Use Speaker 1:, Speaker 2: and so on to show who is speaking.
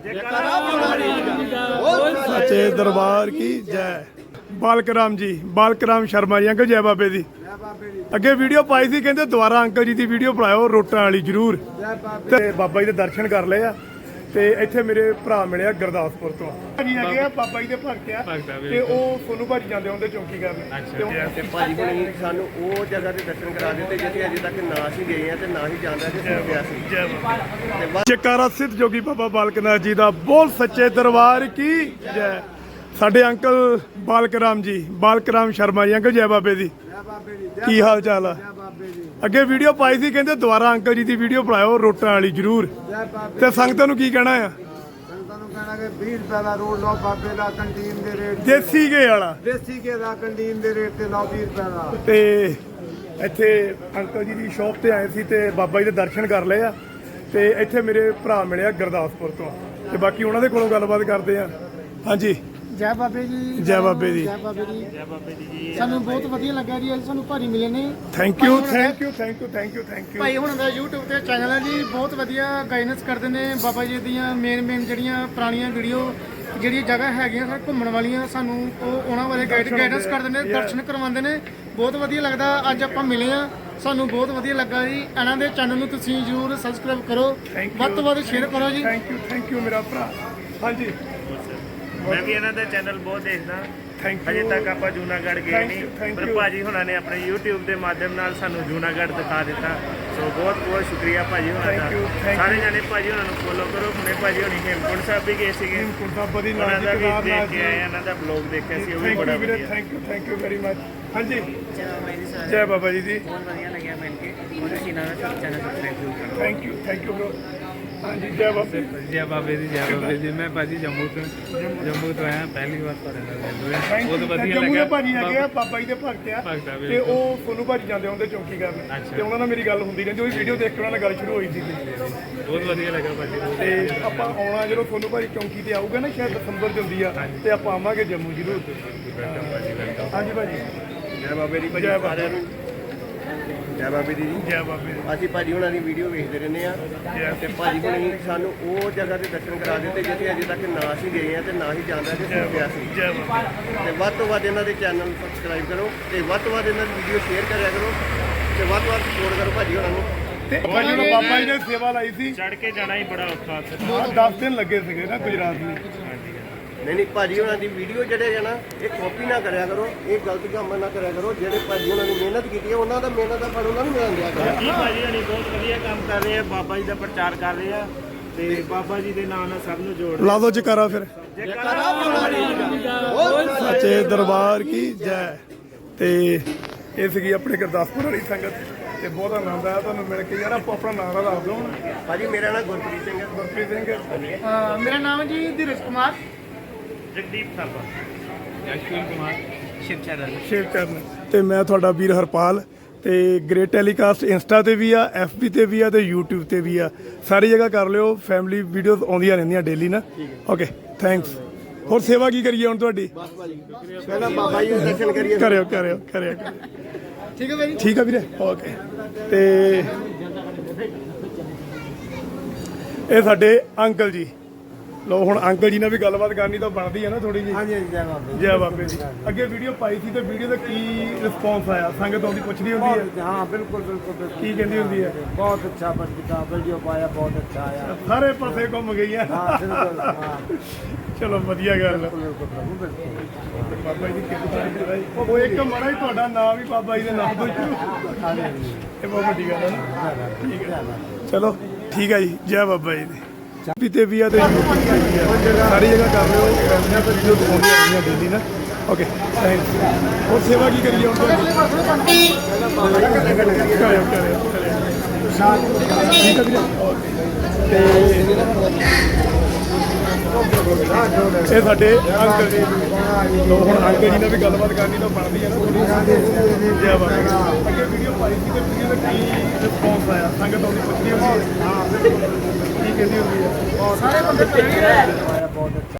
Speaker 1: सच्चे दरबार की जय। बालकराम जी, बालकराम शर्मा जी अंकल जय बाबे दी। ਅੱਗੇ ਵੀਡੀਓ ਪਾਈ ਸੀ ਕਹਿੰਦੇ ਦੁਬਾਰਾ ਅੰਕਲ ਜੀ ਦੀ ਵੀਡੀਓ ਬਣਾਇਓ ਰੋਟਾਂ ਵਾਲੀ ਜ਼ਰੂਰ। ਤੇ ਬਾਬਾ ਜੀ ਦੇ ਦਰਸ਼ਨ ਕਰ ਲਏ ਆ ਤੇ ਇੱਥੇ ਮੇਰੇ ਭਰਾ ਮਿਲਿਆ ਗੁਰਦਾਸਪੁਰ ਤੋਂ ਭਾਜੀ ਹੈਗੇ ਆ ਬਾਬਾ ਜੀ ਦੇ ਭਗਤ ਆ ਤੇ ਉਹ ਸੋਨੂ ਭਾਜੀ ਜਾਂਦੇ ਹੁੰਦੇ ਚੌਂਕੀ ਕਰਨ
Speaker 2: ਤੇ ਭਾਜੀ ਕੋਲ ਸਾਨੂੰ ਉਹ ਜਗ੍ਹਾ ਦੇ ਦਰਸ਼ਨ ਕਰਾ ਦਿੱਤੇ ਜਿੱਥੇ ਅਜੇ ਤੱਕ ਨਾ ਅਸੀਂ ਗਏ ਆ ਤੇ ਨਾ ਹੀ ਜਾਂਦਾ ਤੇ ਸੁਣ ਗਿਆ ਸੀ।
Speaker 1: ਜੈਕਾਰਾ ਸਿੱਧ ਜੋਗੀ ਬਾਬਾ ਬਾਲਕਨਾਥ ਜੀ ਦਾ ਬੋਲ ਸੱਚੇ ਦਰਬਾਰ ਕੀ ਜੈ। ਸਾਡੇ ਅੰਕਲ ਬਾਲਕਰਾਮ ਜੀ, ਬਾਲਕਰਾਮ ਸ਼ਰਮਾ ਜੀ ਅੰਕਲ ਜੈ ਬਾਬੇ ਦੀ। ਕੀ ਹਾਲ ਚਾਲ ਆ? ਅੱਗੇ ਵੀਡੀਓ ਪਾਈ ਸੀ ਕਹਿੰਦੇ ਦੁਬਾਰਾ ਅੰਕਲ ਜੀ ਦੀ ਵੀਡੀਓ ਬਣਾਇਓ ਰੋਟਾਂ ਵਾਲੀ ਜ਼ਰੂਰ। ਤੇ ਸੰਗਤਾਂ ਨੂੰ ਕੀ ਕਹਿਣਾ ਆ?
Speaker 3: ਸੰਗਤਾਂ ਨੂੰ ਕਹਿਣਾ ਕਿ 20 ਰੁਪਏ ਦਾ ਰੋਲ ਲਓ ਬਾਬੇ ਦਾ ਕੰਟੀਨ ਦੇ ਰੇਟ
Speaker 1: ਦੇਸੀ ਘੇ ਵਾਲਾ,
Speaker 3: ਦੇਸੀ ਘੇ ਦਾ ਕੰਟੀਨ ਦੇ ਰੇਟ ਤੇ ਲਾਓ 20 ਰੁਪਏ ਦਾ।
Speaker 1: ਤੇ ਇੱਥੇ ਅੰਕਲ ਜੀ ਦੀ ਸ਼ੌਪ ਤੇ ਆਏ ਸੀ ਤੇ ਬਾਬਾ ਜੀ ਦੇ ਦਰਸ਼ਨ ਕਰ ਲਏ ਆ ਤੇ ਇੱਥੇ ਮੇਰੇ ਭਰਾ ਮਿਲਿਆ ਗੁਰਦਾਸਪੁਰ ਤੋਂ ਤੇ ਬਾਕੀ ਉਹਨਾਂ ਦੇ ਕੋਲੋਂ ਗੱਲਬਾਤ ਕਰਦੇ ਆ। ਹਾਂਜੀ
Speaker 4: ਜੈ ਬਾਬੇ ਜੀ,
Speaker 1: ਜੈ ਬਾਬੇ ਦੀ।
Speaker 4: ਜੈ ਬਾਬੇ ਦੀ, ਜੈ ਬਾਬੇ ਦੀ ਜੀ। ਸਾਨੂੰ ਬਹੁਤ ਵਧੀਆ ਲੱਗਾ ਜੀ, ਅੱਜ ਸਾਨੂੰ ਭਾਰੀ ਮਿਲੇ ਨੇ।
Speaker 1: Thank you thank you thank you thank you thank you.
Speaker 4: ਭਾਈ ਹੁਣ ਦਾ YouTube ਤੇ ਚੈਨਲ ਹੈ ਜੀ, ਬਹੁਤ ਵਧੀਆ ਗਾਈਡੈਂਸ ਕਰਦੇ ਨੇ ਬਾਬਾ ਜੀ ਦੀਆਂ ਮੇਨ ਜਿਹੜੀਆਂ ਪੁਰਾਣੀਆਂ ਵੀਡੀਓ ਜਿਹੜੀਆਂ ਜਗ੍ਹਾ ਹੈਗੀਆਂ ਸਰ ਘੁੰਮਣ ਵਾਲੀਆਂ, ਸਾਨੂੰ ਉਹ ਉਹਨਾਂ ਬਾਰੇ ਗਾਈਡੈਂਸ ਕਰਦੇ ਨੇ, ਦਰਸ਼ਨ ਕਰਵਾਉਂਦੇ ਨੇ। ਬਹੁਤ ਵਧੀਆ ਲੱਗਦਾ। ਅੱਜ ਆਪਾਂ ਮਿਲੇ ਆ, ਸਾਨੂੰ ਬਹੁਤ ਵਧੀਆ ਲੱਗਾ ਜੀ। ਇਹਨਾਂ ਦੇ ਚੈਨਲ ਨੂੰ ਤੁਸੀਂ ਜ਼ਰੂਰ ਸਬਸਕ੍ਰਾਈਬ ਕਰੋ, ਵੱਧ ਤੋਂ ਵੱਧ ਸ਼ੇਅਰ ਕਰੋ ਜੀ।
Speaker 1: ਥੈਂਕ ਯੂ ਮੇਰਾ ਭਰਾ। ਹਾਂਜੀ
Speaker 5: ਮੈਂ ਵੀ ਇਹਨਾਂ ਦਾ ਚੈਨਲ ਬਹੁਤ ਦੇਖਦਾ।
Speaker 1: ਥੈਂਕ
Speaker 5: ਅਜੇ
Speaker 1: ਯੂ
Speaker 5: ਤੱਕ ਆਪਾਂ ਜੂਨਾਗੜ੍ਹ ਗਏ ਨਹੀਂ, ਪਰ ਭਾਜੀ ਹੁਣਾਂ ਨੇ ਆਪਣੇ YouTube ਦੇ ਮਾਧਿਅਮ ਨਾਲ ਸਾਨੂੰ ਜੂਨਾਗੜ੍ਹ ਦਿਖਾ ਦਿੱਤਾ। ਸੋ ਬਹੁਤ ਬਹੁਤ ਸ਼ੁਕਰੀਆ ਭਾਜੀ ਹੁਣਾਂ ਦਾ। ਸਾਰੇ ਜਾਣੇ ਭਾਜੀ ਹੁਣਾਂ ਨੂੰ ਫੋਲੋ ਕਰੋ। ਹੁਣੇ ਭਾਜੀ ਹੁਣੀ ਹੇਮਕੁੰਟ ਸਾਹਿਬ ਵੀ ਗਏ ਸੀਗੇ, ਉਹਨਾਂ ਦਾ ਵੀ ਦੇਖ ਕੇ ਆਏ, ਇਹਨਾਂ ਦਾ ਬਲੌਗ ਦੇਖਿਆ ਸੀ, ਉਹ ਵੀ ਬੜਾ ਵਧੀਆ।
Speaker 1: Thank you very much. ਹਾਂਜੀ ਜੈ ਬਾਬਾ ਜੀ ਦੀ।
Speaker 5: ਬਹੁਤ ਵਧੀਆ ਲੱਗਿਆ ਮਿਲ ਕੇ। ਉਹਦੇ ਸੀਨਾ ਦਾ ਚੈਨਲ ਸਬਸਕ੍ਰਾਈਬ ਕਰੋ।
Speaker 1: Thank you bro. ਹਾਂਜੀ ਜੈ ਬਾਬੇ।
Speaker 6: ਜੈ ਬਾਬੇ ਦੀ, ਜੈ ਬਾਬੇ ਦੀ। ਮੈਂ ਭਾਜੀ ਜੰਮੂ ਤੋਂ ਆਇਆ, ਪਹਿਲੀ ਵਾਰ ਤੁਹਾਡੇ ਨਾਲ ਮਿਲ ਹੋਇਆ, ਬਹੁਤ ਵਧੀਆ ਲੱਗਾ।
Speaker 1: ਭਾਜੀ ਹੈਗੇ ਆ ਬਾਬਾ ਜੀ ਦੇ ਭਗਤ ਆ ਤੇ ਉਹ ਸੋਨੂ ਭਾਜੀ ਜਾਂਦੇ ਹੁੰਦੇ ਚੌਂਕੀ ਕਰਨ ਤੇ ਉਹਨਾਂ ਨਾਲ ਮੇਰੀ ਗੱਲ ਹੁੰਦੀ ਰਹਿੰਦੀ, ਉਹ ਵੀਡੀਓ ਦੇਖ ਕੇ ਉਹਨਾਂ ਨਾਲ ਗੱਲ ਸ਼ੁਰੂ ਹੋਈ ਸੀ।
Speaker 6: ਬਹੁਤ ਵਧੀਆ ਲੱਗਾ ਭਾਜੀ।
Speaker 1: ਤੇ ਆਪਾਂ ਆਉਣਾ ਜਦੋਂ ਸੋਨੂ ਭਾਜੀ ਚੌਂਕੀ ਤੇ ਆਊਗਾ ਨਾ, ਸ਼ਾਇਦ ਦਸੰਬਰ 'ਚ ਹੁੰਦੀ ਆ, ਤੇ ਆਪਾਂ ਆਵਾਂਗੇ ਜੰਮੂ ਜ਼ਰੂਰ। ਹਾਂਜੀ ਭਾਜੀ
Speaker 2: ਜੈ ਬਾਬੇ ਦੀ ਭਾਜੀ, ਸਾਰਿਆਂ ਨੂੰ ਜੈ ਬਾਬੇ ਦੀ ਜੀ।
Speaker 1: ਜੈ ਬਾਬੇ ਦੀ।
Speaker 2: ਅਸੀਂ ਭਾਜੀ ਉਹਨਾਂ ਦੀ ਵੀਡੀਓ ਵੇਖਦੇ ਰਹਿੰਦੇ ਆ ਤੇ ਭਾਜੀ ਕੋਲ ਸਾਨੂੰ ਉਹ ਜਗ੍ਹਾ ਦੇ ਦਰਸ਼ਨ ਕਰਾ ਦਿੱਤੇ ਜਿੱਥੇ ਅਜੇ ਤੱਕ ਨਾ ਅਸੀਂ ਗਏ ਆ ਤੇ ਨਾ ਹੀ ਜਾਂਦਾ ਤੇ ਸੁਣ ਗਿਆ ਸੀ। ਤੇ ਵੱਧ ਤੋਂ ਵੱਧ ਇਹਨਾਂ ਦੇ ਚੈਨਲ ਨੂੰ ਸਬਸਕ੍ਰਾਈਬ ਕਰੋ ਤੇ ਵੱਧ ਤੋਂ ਵੱਧ ਇਹਨਾਂ ਦੀ ਵੀਡੀਓ ਸ਼ੇਅਰ ਕਰਿਆ ਕਰੋ ਤੇ ਵੱਧ ਤੋਂ ਵੱਧ ਸਪੋਰਟ ਕਰੋ ਭਾਜੀ ਉਹਨਾਂ ਨੂੰ।
Speaker 1: ਤੇ ਜਦੋਂ ਬਾਬਾ ਜੀ ਨੇ ਸੇਵਾ ਲਾਈ ਸੀ,
Speaker 5: ਚੜ ਕੇ ਜਾਣਾ ਹੀ ਬੜਾ ਔਖਾ ਸੀ।
Speaker 1: 10 ਦਿਨ ਲੱਗੇ ਸੀਗੇ ਨਾ ਗੁਜਰਾਤ ਨੂੰ।
Speaker 2: ਨਹੀਂ ਭਾਜੀ ਉਹਨਾਂ ਦੀ ਵੀਡੀਓ ਜਿਹੜੇ ਹੈ ਨਾ, ਇਹ ਕਾਪੀ ਨਾ ਕਰਿਆ ਕਰੋ, ਇਹ ਗਲਤ ਕੰਮ ਨਾ ਕਰਿਆ ਕਰੋ। ਜਿਹੜੇ ਭਾਜੀ ਉਹਨਾਂ ਨੇ ਮਿਹਨਤ ਕੀਤੀ ਹੈ, ਉਹਨਾਂ ਦਾ ਮਿਹਨਤ ਦਾ ਫਲ ਉਹਨਾਂ ਨੂੰ ਮਿਲਣ ਦਿਆ ਕਰੋ।
Speaker 5: ਜੀ ਭਾਜੀ ਹਣੀ ਬਹੁਤ ਵਧੀਆ ਕੰਮ ਕਰ ਰਹੇ ਆ, ਬਾਬਾ ਜੀ ਦਾ ਪ੍ਰਚਾਰ ਕਰ ਰਹੇ ਆ ਤੇ ਬਾਬਾ ਜੀ ਦੇ ਨਾਮ ਨਾਲ ਸਭ ਨੂੰ ਜੋੜ
Speaker 1: ਲਾ ਦੋ ਜਕਾਰਾ ਫਿਰ। ਸੱਚੇ ਦਰਬਾਰ ਕੀ ਜੈ। ਤੇ ਇਹ ਸੀਗੀ ਆਪਣੇ ਗੁਰਦਾਸਪੁਰ ਵਾਲੀ ਸੰਗਤ ਤੇ ਬਹੁਤ ਆਨੰਦ ਆਇਆ ਤੁਹਾਨੂੰ ਮਿਲ ਕੇ। ਯਾਰ ਆਪਾਂ ਆਪਣਾ ਨਾਮ ਦੱਸ ਦਿਓ ਹੁਣ।
Speaker 2: ਭਾਜੀ ਮੇਰਾ ਨਾਮ ਗੁਰਪ੍ਰੀਤ ਸਿੰਘ ਹੈ।
Speaker 1: ਗੁਰਪ੍ਰੀਤ ਸਿੰਘ।
Speaker 4: ਮੇਰਾ ਨਾਮ ਹੈ ਜੀ ਧੀਰਜ ਕੁਮਾਰ।
Speaker 5: ਜਗਦੀਪ ਸਾਬਾ,
Speaker 6: ਅਸ਼ਵਿਨ ਕੁਮਾਰ,
Speaker 5: ਸ਼ਿਵ ਚਰਨ।
Speaker 1: ਸ਼ੇਅਰ ਕਰਨ ਤੇ ਮੈਂ ਤੁਹਾਡਾ ਵੀਰ ਹਰਪਾਲ। ਤੇ ਗ੍ਰੇਟ ਟੈਲੀਕਾਸਟ ਇੰਸਟਾ ਤੇ ਵੀ ਆ, FB ਤੇ ਵੀ ਆ ਤੇ YouTube ਤੇ ਵੀ ਆ, ਸਾਰੀ ਜਗ੍ਹਾ ਕਰ ਲਿਓ। ਫੈਮਿਲੀ ਵੀਡੀਓਜ਼ ਆਉਂਦੀਆਂ ਰਹਿੰਦੀਆਂ ਡੇਲੀ ਨਾ। Okay thanks. ਹੋਰ ਸੇਵਾ ਕੀ ਕਰੀਏ ਹੁਣ ਤੁਹਾਡੀ?
Speaker 2: ਪਹਿਲਾਂ ਬਾਬਾ ਜੀ ਦੇ ਦਰਸ਼ਨ ਕਰੀਏ।
Speaker 1: ਕਰਿਓ।
Speaker 4: ਠੀਕ ਹੈ ਭਾਈ।
Speaker 1: ਠੀਕ ਆ ਵੀਰੇ। ਓਕੇ। ਤੇ ਇਹ ਸਾਡੇ ਅੰਕਲ ਜੀ। ਲੋ ਹੁਣ ਅੰਕਲ ਜੀ ਨਾਲ ਵੀ ਗੱਲਬਾਤ ਕਰਨੀ ਤਾਂ ਬਣਦੀ ਹੈ ਨਾ ਥੋੜੀ ਜਿਹੀ।
Speaker 3: ਹਾਂਜੀ ਜੈ ਬਾਬੇ।
Speaker 1: ਜੈ ਬਾਬੇ ਦੀ। ਅੱਗੇ ਵੀਡੀਓ ਪਾਈ ਸੀ ਤੇ ਵੀਡੀਓ ਦਾ ਕੀ ਰਿਸਪੌਂਸ ਆਇਆ? ਸੰਗਤ ਆਉਂਦੀ ਪੁੱਛਦੀ ਹੁੰਦੀ ਹੈ।
Speaker 3: ਹਾਂ ਬਿਲਕੁਲ ਬਿਲਕੁਲ।
Speaker 1: ਕੀ ਕਹਿੰਦੀ ਹੁੰਦੀ ਹੈ?
Speaker 3: ਬਹੁਤ ਅੱਛਾ ਬੰਦਾ ਵੀਡੀਓ ਪਾਇਆ, ਬਹੁਤ ਅੱਛਾ ਆਇਆ।
Speaker 1: ਸਾਰੇ ਪਾਸੇ ਘੁੰਮ ਗਈ ਹੈ।
Speaker 3: ਹਾਂ ਬਿਲਕੁਲ। ਹਾਂ
Speaker 1: ਚਲੋ ਵਧੀਆ ਗੱਲ ਹੈ।
Speaker 3: ਬਿਲਕੁਲ ਬਿਲਕੁਲ।
Speaker 1: ਬਾਬਾ ਜੀ ਦੀ ਕਿਰਪਾ। ਉਹ ਇੱਕ ਮਾੜਾ ਹੀ ਤੁਹਾਡਾ ਨਾਮ ਵੀ ਬਾਬਾ ਜੀ ਦੇ ਨਾਮ ਤੋਂ ਸ਼ੁਰੂ। ਇਹ ਬਹੁਤ ਵੱਡੀ ਗੱਲ ਹੈ ਨਾ। ਠੀਕ ਹੈ ਚਲੋ ਠੀਕ ਹੈ ਜੀ। ਜੈ ਬਾਬਾ ਜੀ ਦੀ। ਪੀਤੇ ਵੀ ਆ ਤੇ YouTube ਤੇ ਵੀ ਆ, ਸਾਰੀ ਜਗ੍ਹਾ ਕਰ ਲਿਓ। ਫੈਮਲੀਆਂ ਤੇ ਵੀਡੀਓ ਦਿਖਾਉਂਦੀਆਂ ਰਹਿੰਦੀਆਂ ਡੇਲੀ ਨਾ। Okay thanks. ਹੋਰ ਸੇਵਾ ਕੀ ਕਰੀਏ ਹੁਣ ਤੁਹਾਡੀ? ਕਰਿਓ। ਠੀਕ ਹੈ ਵੀਰੇ। ਤੇ ਇਹ ਸਾਡੇ ਅੰਕਲ ਜੀ। ਲੋ ਹੁਣ ਅੰਕਲ ਜੀ ਨਾਲ ਵੀ ਗੱਲਬਾਤ ਕਰਨੀ ਤਾਂ ਬਣਦੀ ਹੈ ਨਾ। ਜੈ ਬਾਬਾ। ਅੱਗੇ ਵੀਡੀਓ ਪਾਈ ਸੀ ਤੇ ਵੀਡੀਓ ਦਾ ਕੀ ਰਿਸਪੌਂਸ ਆਇਆ? ਸੰਗਤ ਆਉਂਦੀ ਪੁੱਛਦੀ ਹੁੰਦੀ ਹੈ। ਹਾਂ ਬਿਲਕੁਲ। ਕੀ ਕਹਿੰਦੀ ਹੁੰਦੀ ਹੈ?
Speaker 4: ਸਾਰੇ ਬੰਦੇ